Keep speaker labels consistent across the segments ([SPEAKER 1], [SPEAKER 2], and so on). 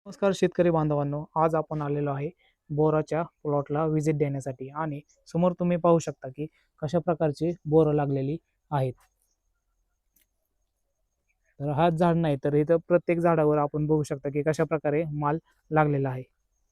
[SPEAKER 1] नमस्कार शेतकरी बांधवांनो, आज आपण आलेलो आहे बोराच्या प्लॉटला व्हिजिट देण्यासाठी आणि समोर तुम्ही पाहू शकता की कशा प्रकारची बोरं लागलेली आहेत. तर हाच झाड नाही तर इथं प्रत्येक झाडावर आपण बघू शकता की कशा प्रकारे माल लागलेला आहे.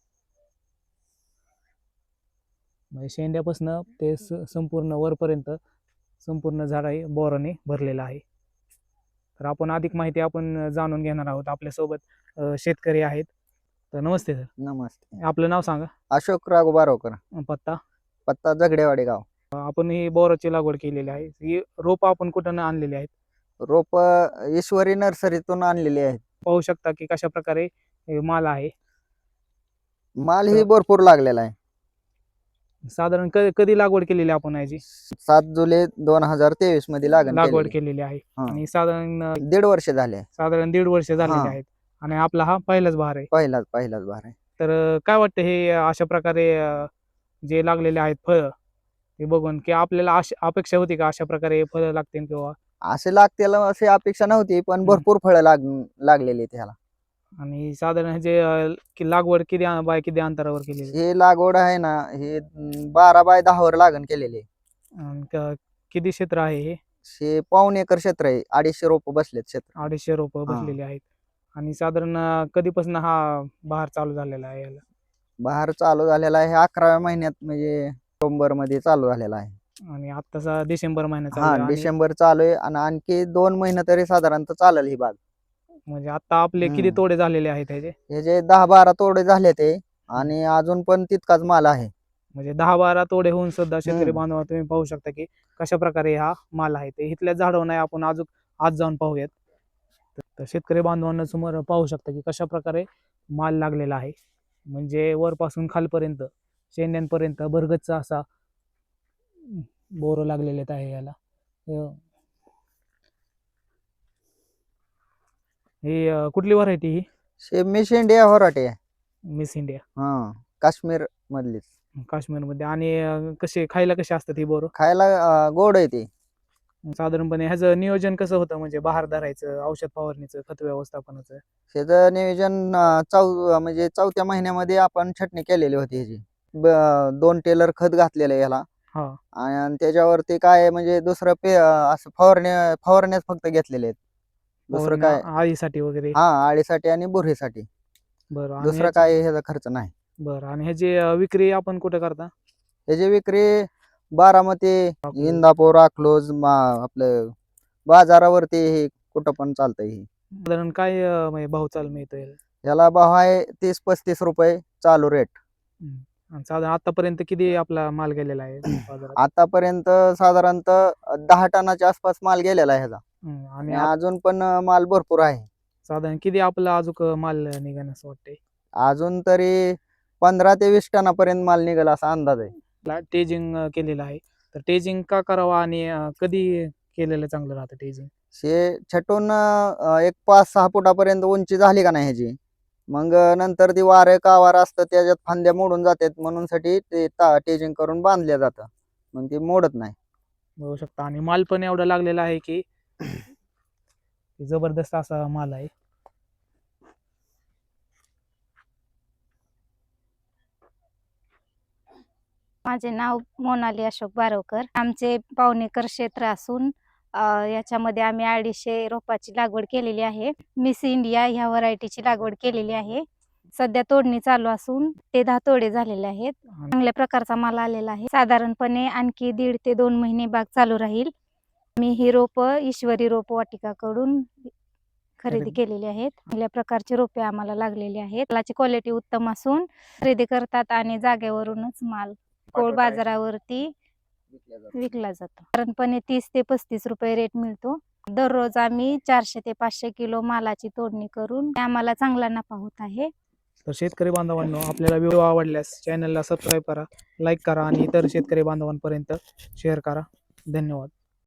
[SPEAKER 1] म्हणजे शेंड्यापासून ते संपूर्ण वरपर्यंत संपूर्ण झाड आहे बोराने भरलेलं आहे. तर आपण अधिक माहिती आपण जाणून घेणार आहोत. आपल्यासोबत शेतकरी आहेत. तर नमस्ते सर.
[SPEAKER 2] नमस्ते.
[SPEAKER 1] आपलं नाव सांगा.
[SPEAKER 2] अशोक राघू बारोकर,
[SPEAKER 1] पत्ता.
[SPEAKER 2] पत्ता झगडेवाडी गाव.
[SPEAKER 1] आपण ही बोराची लागवड केलेली आहे. ही रोप आपण कुठून आणलेली आहेत.
[SPEAKER 2] रोप ईश्वरी नर्सरीतून आणलेली आहेत.
[SPEAKER 1] पाहू शकता की कशा प्रकारे माल आहे.
[SPEAKER 2] माल ही भरपूर लागलेला आहे.
[SPEAKER 1] साधारण कधी लागवड केलेली आपण याची
[SPEAKER 2] 7 जुलै 2023 मध्ये
[SPEAKER 1] लागवड केलेली आहे आणि साधारण
[SPEAKER 2] 1.5 वर्ष झाले.
[SPEAKER 1] साधारण 1.5 वर्ष झालेले आहेत आणि आपला हा पहिलाच बहार आहे.
[SPEAKER 2] पहिलाच बहार आहे.
[SPEAKER 1] तर काय वाटतं हे अशा प्रकारे जे लागलेले आहेत फळ ते बघून की आपल्याला अपेक्षा होती का अशा प्रकारे फळ लागतील किंवा
[SPEAKER 2] असे लागतील अशी अपेक्षा नव्हती, पण भरपूर फळं लागलेली त्याला.
[SPEAKER 1] आणि साधारण जे की लागवड किती अंतरावर केलेली
[SPEAKER 2] हे लागवड आहे ना, हे 12 बाय 10 वर लागण केलेली आहे.
[SPEAKER 1] आणि किती क्षेत्र आहे हे?
[SPEAKER 2] हे पाऊण एकर क्षेत्र आहे. 250 रोप बसलेत क्षेत्र.
[SPEAKER 1] 250 रोपं बसलेली आहेत. आणि साधारण कधीपासून हा बहार चालू झालेला आहे याला?
[SPEAKER 2] बहार चालू झालेला आहे 11व्या महिन्यात, म्हणजे नोव्हेंबर मध्ये चालू झालेला आहे.
[SPEAKER 1] आणि आत्ताचा डिसेंबर महिना चालू आहे आणि
[SPEAKER 2] डिसेंबर चालू आहे आणि आणखी 2 महिने तरी साधारणतः चालेल ही बाग.
[SPEAKER 1] म्हणजे आता आपले किती तोडे झालेले आहेत ह्याचे?
[SPEAKER 2] हे जे 10-12 तोडे झाले ते आणि अजून पण तितकाच माल आहे.
[SPEAKER 1] म्हणजे 10-12 तोडे होऊन सुद्धा शेतकरी बांधव तुम्ही पाहू शकता की कशा प्रकारे हा माल आहे. ते इथल्या झाडावर नाही, आपण अजून आज जाऊन पाहूयात. तर शेतकरी बांधवांना समोर पाहू शकता की कशा प्रकारे माल लागलेला आहे. म्हणजे वरपासून खालपर्यंत शेंड्यांपर्यंत भरगच्च असा बोर लागलेले आहे याला. ही कुठली व्हरायटी ही?
[SPEAKER 2] मिस इंडिया व्हरायटी आहे.
[SPEAKER 1] Miss India.
[SPEAKER 2] काश्मीर मधलीच.
[SPEAKER 1] काश्मीरमध्ये. आणि कसे खायला कसे असतात ही बोर?
[SPEAKER 2] खायला गोड आहे ती.
[SPEAKER 1] साधारणपणे ह्याचं नियोजन कसं होतं, म्हणजे बहार धरायचं, औषध फवारणीचं, खत व्यवस्थापनाचं?
[SPEAKER 2] त्याचं नियोजन म्हणजे 4थ्या महिन्यामध्ये आपण छटणी केलेली होती ह्याची. 2 टेलर खत घातलेलं याला. आणि त्याच्यावरती काय म्हणजे दुसरं असं फवारण्याच फक्त घेतलेले आहेत. दुसरं काय
[SPEAKER 1] आळीसाठी वगैरे?
[SPEAKER 2] आळीसाठी आणि बुरशीसाठी.
[SPEAKER 1] बरं.
[SPEAKER 2] दुसरं काय ह्याचा खर्च नाही.
[SPEAKER 1] बरं. आणि ह्याची विक्री आपण कुठे करता?
[SPEAKER 2] ह्याची विक्री बारामती, इंदापूर, अकलूज, आपलं बाजारावरती हे कुठं पण चालतंय. हे
[SPEAKER 1] साधारण काय म्हणजे भाव चाल मिळतो
[SPEAKER 2] याला भाव आहे 30-35 रुपये चालू रेट.
[SPEAKER 1] साधारण आतापर्यंत किती आपला माल गेलेला आहे बाजारात?
[SPEAKER 2] आतापर्यंत साधारणतः 10 टनाच्या आसपास माल गेलेला आहे ह्याचा. आणि अजून पण माल भरपूर आहे.
[SPEAKER 1] साधारण किती आपला अजून माल निघेल असं वाटतंय?
[SPEAKER 2] अजून तरी 15 ते 20 टनापर्यंत माल निघेल असा अंदाज आहे.
[SPEAKER 1] टेजिंग केलेलं आहे, तर टेजिंग का करावं आणि कधी केलेलं चांगलं राहतं टेजिंग?
[SPEAKER 2] हे छटून एक 5-6 फुटापर्यंत उंची झाली का नाही ह्याची, मग नंतर ती वारे कावार असतं त्याच्यात फांद्या मोडून जातात, म्हणून साठी ते टेजिंग करून बांधल्या जातं, मग ते मोडत नाही.
[SPEAKER 1] बघू शकता. आणि माल पण एवढा लागलेला आहे की जबरदस्त असा माल आहे.
[SPEAKER 3] माझे नाव मोनाली अशोक बारोकर. आमचे पाऊण एकर क्षेत्र असून याच्यामध्ये आम्ही 250 रोपाची लागवड केलेली आहे. मिस इंडिया ह्या व्हरायटीची लागवड केलेली आहे. सध्या तोडणी चालू असून ते 10 तोडे झालेले आहेत. चांगल्या प्रकारचा माल आलेला आहे. साधारणपणे आणखी 1.5 ते 2 महिने बाग चालू राहील. मी ही रोप ईश्वरी रोप वाटिकाकडून खरेदी केलेली आहेत. चांगल्या प्रकारची रोपे आम्हाला लागलेली आहेत. मालाची क्वालिटी उत्तम असून खरेदी करतात आणि जागेवरूनच माल बाजारावरती विकला जातो. साधारणपणे 30 ते 35 रुपये रेट मिळतो. दररोज आम्ही 400 ते 500 किलो मालाची तोडणी करून आम्हाला चांगला नफा होत आहे.
[SPEAKER 1] तर शेतकरी बांधवांनो, आपल्याला व्हिडिओ आवडल्यास चॅनलला सबस्क्राईब करा, लाईक करा आणि इतर शेतकरी बांधवांपर्यंत शेअर करा. धन्यवाद.